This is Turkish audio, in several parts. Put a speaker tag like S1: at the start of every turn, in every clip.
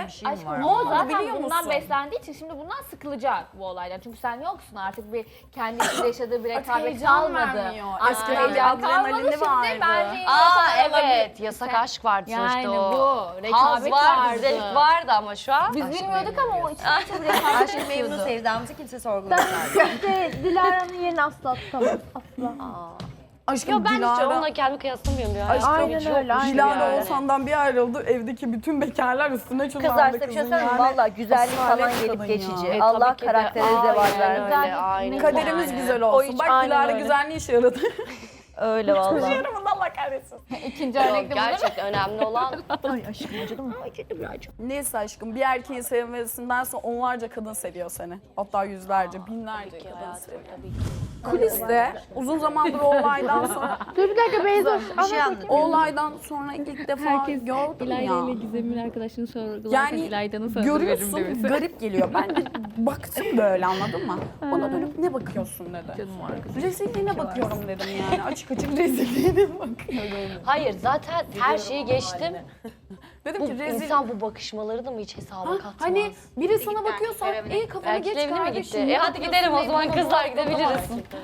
S1: şeyim
S2: Aşkım
S1: var.
S2: o zaten
S3: biliyor
S2: bundan
S3: musun?
S2: beslendiği için şimdi bundan sıkılacak bu olaydan. Çünkü sen yoksun artık bir kendi içinde yaşadığı bir rekabet
S3: heyecan
S2: kalmadı.
S3: vermiyor.
S2: Artık
S3: Eskiden
S2: heyecan
S3: bir
S2: kalmadı
S3: adrenalini
S2: şimdi
S3: vardı.
S2: bence
S4: Evet, yasak aşk vardı
S2: Yani
S4: sonuçta o.
S2: bu rekabet
S4: Haz vardı,
S2: vardı.
S4: zevk vardı ama şu an.
S2: Biz bilmiyorduk ama o içinde çok rekabet
S1: Aşkı memnun
S2: yaşıyordu.
S1: sevdamızı kimse sorgulamaz.
S5: İşte Dilara'nın yerini asla tutamaz. Asla.
S3: Aşkım
S4: Yo ben hiç
S3: Dilara,
S4: onunla kendimi kıyaslamıyorum ya.
S3: Aşkım,
S5: Aynen öyle. Aynen.
S3: Dilara Oğuzhan'dan bir ayrıldı. Evdeki bütün bekarlar üstüne çullandı
S6: Kızlar size bir şey
S3: kızın
S6: söyleyeyim mi?
S3: yani.
S6: Valla güzellik
S3: Asalet
S6: falan
S3: kadın
S6: gelip
S3: ya.
S6: geçici. Allah
S4: tabii ki de.
S6: karaktere zeval
S4: Aynen
S6: versin.
S4: öyle, aynen.
S3: Kaderimiz
S4: Yani.
S3: güzel
S6: O
S3: olsun.
S6: hiç
S3: Bak
S6: aynen
S3: Dilara
S6: öyle.
S3: güzel ne işe yaradı?
S6: Öyle valla.
S3: Yarımın Allah kahretsin.
S2: İkinci
S4: Yok,
S2: örnekte bu değil mi?
S4: gerçekten önemli olan
S6: Ay aşkım acıdı mı? Acıdı birazcık.
S3: Neyse aşkım bir erkeğin sevmesinden sonra onlarca kadın seviyor seni. Hatta yüzlerce, binlerce kadın seviyor. Kuliste uzun zamandır o olaydan sonra
S5: Dur bir dakika Beyzoş.
S1: Bir şey anladım.
S3: o olaydan sonra ilk defa
S7: Herkes
S3: gördüm
S7: İlayda
S3: ya.
S7: ile Gizem'in arkadaşını sorgularken
S3: Yani
S7: İlayda'nın sözü verim demesi.
S3: görüyorsun garip geliyor. Ben de baktım böyle anladın mı? Ona dönüp ne bakıyorsun dedi. Rezilliğine bakıyorum dedim yani. Açık açık rezilliğine bakıyorum.
S4: hayır zaten her şeyi geçtim.
S3: Dedim
S4: Bu
S3: ki rezil...
S4: insan bu bakışmaları da mı hiç hesaba katmaz?
S3: Hani biri sana bakıyorsa iyi kafana geç
S4: Erkekler evine mi gitti?
S3: kardeşim.
S4: Hadi gidelim o zaman kızlar gidebiliriz.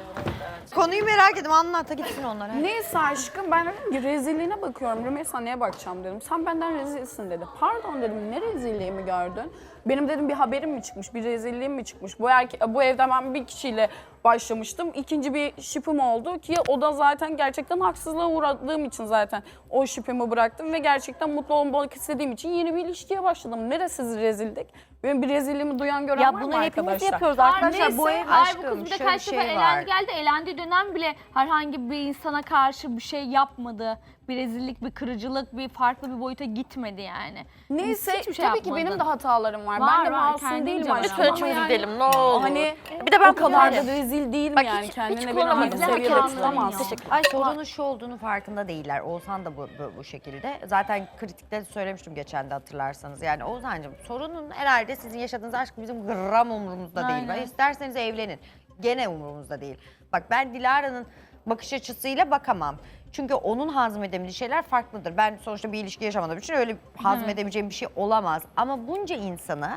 S1: Konuyu merak ettim, anlat da gitsin onlar.
S3: Neyse aşkım ben dedim ki rezilliğine bakıyorum. Rümeysa neye bakacağım dedim. Sen benden rezilsin dedi. Pardon dedim ne rezilliğimi gördün? Benim dedim bir haberim mi çıkmış, bir rezilliğim mi çıkmış? Bu evde ben bir kişiyle başlamıştım. İkinci bir şipim oldu ki o da zaten gerçekten haksızlığa uğradığım için zaten o şipimi bıraktım ve gerçekten mutlu olmak istediğim için yeni bir ilişkiye başladım. Neresi rezildik? Benim bir rezilliğimi duyan gören var
S6: Ya
S3: mı
S6: bunu hepimiz
S3: arkadaşlar?
S6: yapıyoruz arkadaşlar. Bu ev
S2: Ay bu
S1: Aşkım,
S2: kız bir de
S1: şöyle
S2: kaç
S1: bir
S2: defa
S1: şey
S2: elendi
S1: var.
S2: geldi. Elendiği dönem bile herhangi bir insana karşı bir şey yapmadı. Bir rezillik, bir kırıcılık, bir farklı bir boyuta gitmedi yani.
S3: Neyse
S2: Hiçbir şey
S3: tabii ki
S2: yapmadı.
S3: benim de hatalarım var.
S2: Var,
S3: Ben de
S2: var,
S3: masum
S2: kendince
S3: değilim
S2: var.
S3: aşkım.
S4: Lütfen
S3: ama yani-
S4: çözelim ne olur.
S3: Hani
S6: Bir de ben
S3: o kadar da
S6: yani-
S3: rezil değilim
S4: Bak
S3: yani.
S4: hiç
S3: Kendine beni
S4: kullanamadım.
S3: aynı seviyede
S2: İzlemek
S3: tutamaz.
S2: anlamıyor.
S6: Ay
S1: Sorunun şu olduğunu farkında değiller. Oğuzhan da bu şekilde. Zaten kritikte söylemiştim geçen de hatırlarsanız. Yani Oğuzhan'cığım sorunun herhalde sizin yaşadığınız aşk bizim gram umurumuzda değil.
S2: Aynen.
S1: İsterseniz evlenin. Gene umurumuzda değil. Bak ben Dilara'nın bakış açısıyla bakamam. Çünkü onun hazmedemediği şeyler farklıdır. Ben sonuçta bir ilişki yaşamadığım için öyle hazmedemeyeceğim bir şey olamaz. Ama bunca insanı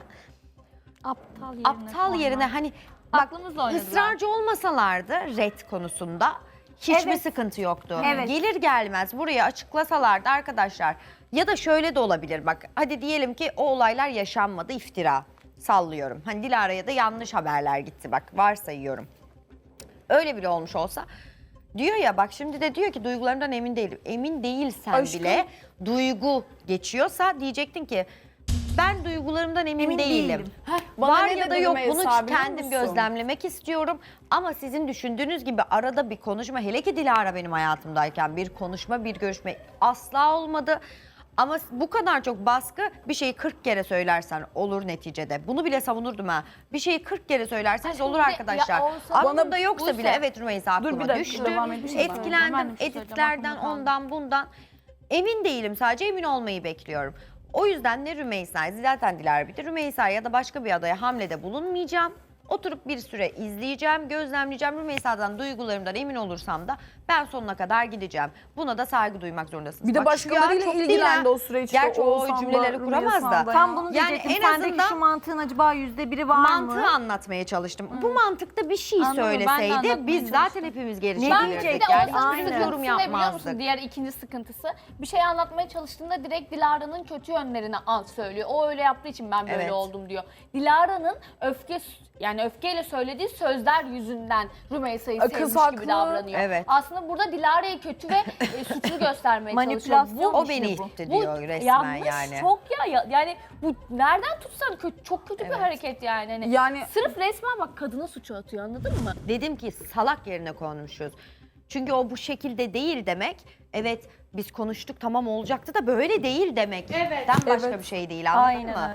S1: aptal yerine hani bak
S2: Aklımızla oynadılar.
S1: ısrarcı olmasalardı red konusunda hiçbir sıkıntı yoktu.
S5: Evet.
S1: Gelir gelmez buraya açıklasalardı arkadaşlar ya da şöyle de olabilir bak hadi diyelim ki o olaylar yaşanmadı iftira sallıyorum. Hani Dilara'ya da yanlış haberler gitti bak varsayıyorum. Öyle bile olmuş olsa diyor ya bak şimdi de diyor ki duygularımdan emin değilim. Emin değilsen
S3: Aşkım.
S1: bile duygu geçiyorsa diyecektin ki ben duygularımdan emin değilim.
S3: Bana
S1: Var
S3: ne
S1: ya da
S3: dedi
S1: yok
S3: Rümeysa
S1: bunu
S3: biliyor
S1: kendim
S3: musun?
S1: gözlemlemek istiyorum. Ama sizin düşündüğünüz gibi arada bir konuşma hele ki Dilara benim hayatımdayken bir konuşma bir görüşme asla olmadı. Ama bu kadar çok baskı bir şeyi 40 kere söylersen olur neticede. Bunu bile savunurdum ha. Bir şeyi 40 kere söylerseniz olur
S2: bir de
S1: arkadaşlar.
S2: ya olsa-
S1: Aklımda yoksa
S2: Buse.
S1: bile evet Rümeysa
S3: Dur, bir
S1: aklıma
S3: dakika,
S1: düştü.
S3: devam edeyim mi?
S1: Etkilendim
S2: Ben de bir şey söyleyeceğim,
S1: editlerden
S2: aklımda kaldı.
S1: ondan bundan. Emin değilim sadece emin olmayı bekliyorum. O yüzden ne Rümeysa'yı zaten Dilara bitti. Rümeysa ya da başka bir adaya hamlede bulunmayacağım. Oturup bir süre izleyeceğim, gözlemleyeceğim. Rümeysa'dan duygularımdan emin olursam da ben sonuna kadar gideceğim. Buna da saygı duymak zorundasınız.
S3: Bir de
S1: Bak,
S3: başkalarıyla
S1: çok değil
S3: ilgilendi
S1: ha.
S3: o süreçte.
S1: Gerçi o
S3: Oğuzhan'la,
S1: cümleleri kuramaz da.
S3: Rümeysa'yla.
S6: Tam bunu
S1: Yani
S6: diyecektim.
S1: en
S6: Sendeki
S1: azından
S6: şu mantığın acaba %1'i var mı?
S1: mantığı anlatmaya çalıştım. Bu mantıkta bir şey
S2: Anladım, ben de
S1: söyleseydi
S2: anlatmaya
S1: biz zaten
S2: çalıştım.
S1: hepimiz geri
S6: Ne
S1: çekilirdik.
S6: diyecek?
S2: Bir de
S1: Yani
S2: Oğuzhan'ın
S1: hiçbir
S6: Aynen.
S1: yorum
S2: sıkıntısı ne biliyor musun?
S1: yapmazdık.
S2: Diğer ikinci sıkıntısı. Bir şey anlatmaya çalıştığında direkt Dilara'nın kötü yönlerini söylüyor. O öyle yaptığı için ben böyle
S1: Evet.
S2: oldum diyor. Dilara'nın öfkeyle söylediği sözler yüzünden Rümeysa'yı
S3: Kız
S2: sevmiş
S3: haklı.
S2: gibi davranıyor.
S1: Evet.
S2: Aslında burada Dilara'yı kötü ve suçlu göstermeye çalışıyor.
S6: Manipülasyon
S1: O beni
S6: bu.
S1: itti
S2: Bu
S1: diyor resmen
S2: yanlış
S1: yani.
S2: çok yani bu nereden tutsan çok kötü bir hareket yani.
S3: Yani-
S2: Sırf resmen bak kadına suçu atıyor anladın mı?
S1: Dedim ki salak yerine konmuşuz. Çünkü o bu şekilde değil demek. Evet biz konuştuk tamam olacaktı da böyle değil demek.
S2: Evet.
S1: Başka bir şey değil anladın
S6: Aynen
S1: mı?
S6: öyle.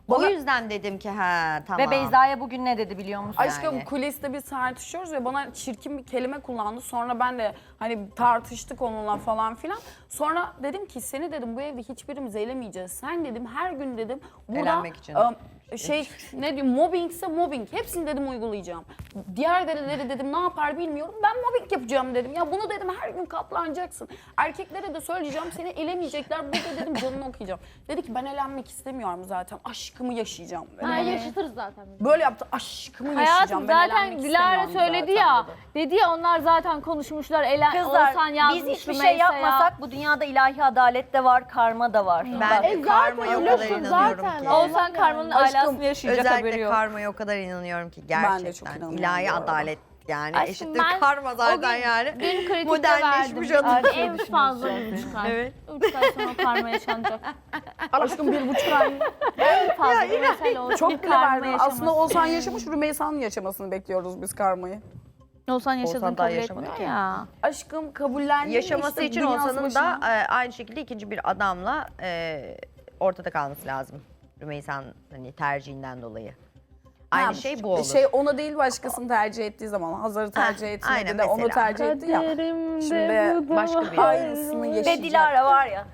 S1: O yüzden dedim ki ha tamam.
S6: Ve Beyza'ya bugün ne dedi biliyor musun?
S3: Aşkım
S1: Yani.
S3: kuliste biz tartışıyoruz ya bana çirkin bir kelime kullandı. Sonra ben de hani tartıştık onunla falan filan. Sonra dedim ki seni dedim bu evde hiçbirimiz elemeyeceğiz. Sen dedim her gün dedim burada
S1: Elenmek için.
S3: Ne diyeyim mobbingse mobbing. Hepsini dedim uygulayacağım. Diğer delileri dedim ne yapar bilmiyorum. Ben mobbing yapacağım dedim. Ya bunu dedim her gün katlanacaksın. Erkeklere de söyleyeceğim seni elemeyecekler. Burada dedim canını okuyacağım. Dedi ki ben elenmek istemiyorum zaten. Aşkımı yaşayacağım. Dedi
S5: Ha,
S3: bana.
S5: yaşatırız zaten.
S3: Böyle yaptı. Aşkımı
S2: Hayatım
S3: yaşayacağım. Ben
S2: zaten
S3: elenmek
S2: Dilara
S3: istemiyorum
S2: söyledi
S3: zaten
S2: ya.
S3: dedi.
S2: Dedi ya onlar zaten konuşmuşlar.
S6: Kızlar
S2: Oğuzhan yazmış
S6: biz hiçbir şey
S2: Rümeysa'ya.
S6: yapmasak bu dünyada ilahi adalet de var, karma da var.
S1: Ben
S6: Bak,
S1: karmaya o kadar
S5: ölürsün
S1: inanıyorum
S5: zaten.
S1: ki.
S2: Oğuzhan karmanın alasını yaşayacak haberi
S1: Özellikle
S2: yok.
S1: karmaya o kadar inanıyorum ki
S3: Ben de çok
S1: gerçekten.
S3: inanıyorum
S1: İlahi
S3: bu arada.
S1: adalet yani
S2: Aşkım
S1: eşittir
S2: ben
S1: karma
S2: o
S1: zaten
S2: gün-
S1: yani.
S2: Dün kritikte
S1: Modernleşmiş
S2: verdim.
S1: adam.
S2: En fazla 3 ay.
S1: Evet.
S2: 3 ay sonra o karma yaşanacak.
S3: Aşkım 1,5 ay.
S2: En fazla bir mesele olsun.
S3: Çok
S2: bir
S3: bile
S2: karma
S3: verdim.
S2: yaşaması.
S3: Aslında Oğuzhan yaşamış, Rümeysa'nın yaşamasını bekliyoruz biz karmayı.
S2: Oğuzhan yaşadığını
S1: Oğuzhan daha
S2: kabul
S1: yaşamadı
S2: etmiyor
S1: ki.
S2: ya.
S3: Aşkım kabullendim.
S1: Yaşaması
S3: işte
S1: için
S3: dünyası
S1: olsanın
S3: başına.
S1: da aynı şekilde ikinci bir adamla ortada kalması lazım. Rümeysa'nın hani tercihinden dolayı. Aynı
S3: Ha,
S1: şey bu olur.
S3: Şey ona değil başkasını tercih ettiği zaman. Hazar'ı tercih etmedi
S1: aynen
S3: de onu
S1: mesela.
S3: tercih etti ya. Şimdi
S1: Başka bir
S3: aynısını
S6: Ve
S3: yaşayacak.
S6: Dilara var ya,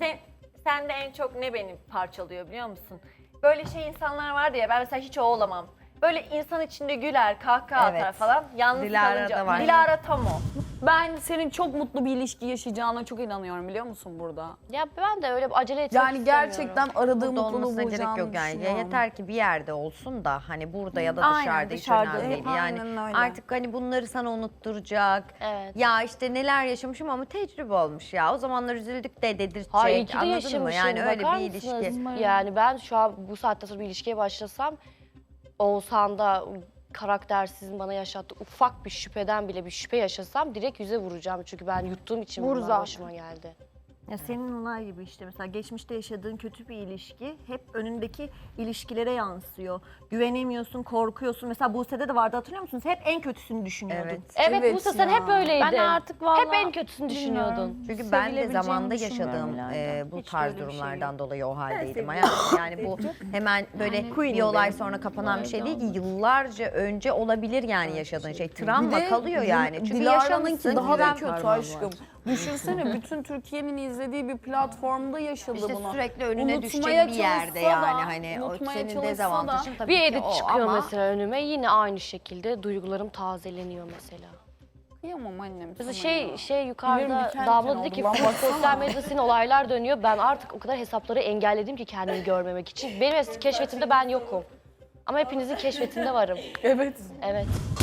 S6: sen de en çok ne beni parçalıyor biliyor musun? Böyle şey insanlar vardı ya, ben mesela hiç o olamam. Böyle insan içinde güler, kahkaha
S1: Evet.
S6: atar falan. Yalnız
S1: Dilara
S6: kalınca.
S1: da var.
S6: Dilara tam o.
S3: Ben senin çok mutlu bir ilişki yaşayacağına çok inanıyorum biliyor musun burada?
S4: Ya ben de öyle acele etmek
S3: Yani
S4: istemiyorum.
S3: gerçekten aradığım
S1: Burada
S3: mutluluğu
S1: olmasına gerek
S3: bulacağını
S1: yok yani. Ya
S3: düşünüyorum.
S1: yeter ki bir yerde olsun da hani burada ya da
S6: Aynen,
S1: dışarıda hiç
S6: dışarıda.
S1: önemli değil. Yani
S3: Aynen öyle.
S1: artık hani bunları sana unutturacak.
S4: Evet.
S1: Ya işte neler yaşamışım ama tecrübe olmuş ya. O zamanlar üzüldük de dedirtecek.
S4: Hayır, iyi ki de
S1: Anladın mı?
S4: yaşamışım.
S1: Yani öyle
S4: Bakar
S1: bir ilişki.
S4: mısınız? Yani ben şu an bu saatte sonra bir ilişkiye başlasam Oğuzhan'da karaktersizin bana yaşattığı ufak bir şüpheden bile bir şüphe yaşasam direkt yüze vuracağım. Çünkü ben yuttuğum için bunlar
S5: zaten.
S4: başıma geldi.
S6: Ya senin olay gibi işte mesela geçmişte yaşadığın kötü bir ilişki hep önündeki ilişkilere yansıyor. Güvenemiyorsun, korkuyorsun. Mesela Buse'de de vardı hatırlıyor musunuz? Hep en kötüsünü düşünüyordun.
S1: Evet.
S4: Evet,
S3: Evet
S4: Buse sen
S3: ya.
S4: hep öyleydin.
S2: Ben artık vallahi
S4: Hep en kötüsünü düşünüyordun.
S1: Çünkü ben de
S2: Sevilebileceğimi
S1: zamanda
S2: düşünmüyorum
S1: yaşadığım
S2: Dilara'dan.
S1: bu
S2: Hiç
S1: tarz
S2: öyle bir şey
S1: durumlardan
S2: yok.
S1: dolayı o haldeydim. Yani bu hemen böyle bir olay sonra kapanan bir şey değil ki yıllarca önce olabilir yani yaşadığın şey. Travma
S3: Bir de
S1: kalıyor yani. Çünkü
S3: Dilara'nınki
S1: yaşamışsın.
S3: daha da
S1: güven-
S3: kötü aşkım. Düşünsene bütün Türkiye'nin izlediği bir platformda yaşadı
S1: İşte
S3: bunu.
S1: sürekli önüne düşecek
S3: Unutmaya
S1: bir yerde
S3: çalışsa da,
S1: yani hani o
S3: unutmaya
S1: senin
S3: çalışsa
S1: dezavantajın
S3: da.
S1: tabii
S4: Bir
S1: ki
S4: edit
S1: o
S4: çıkıyor
S1: ama
S4: mesela önüme yine aynı şekilde duygularım tazeleniyor mesela.
S3: Kıyamam annem
S4: Mesela
S3: sana ya.
S4: şey yukarıda
S3: Tüylerim diken
S4: Damla
S3: diken
S4: dedi ki
S3: oldu lan, baksana.
S4: sosyal medyada senin olaylar dönüyor. Ben artık o kadar hesapları engelledim ki kendimi görmemek için. Benim keşfetimde ben yokum. Ama hepinizin keşfetinde varım.
S3: Evet.
S4: Evet.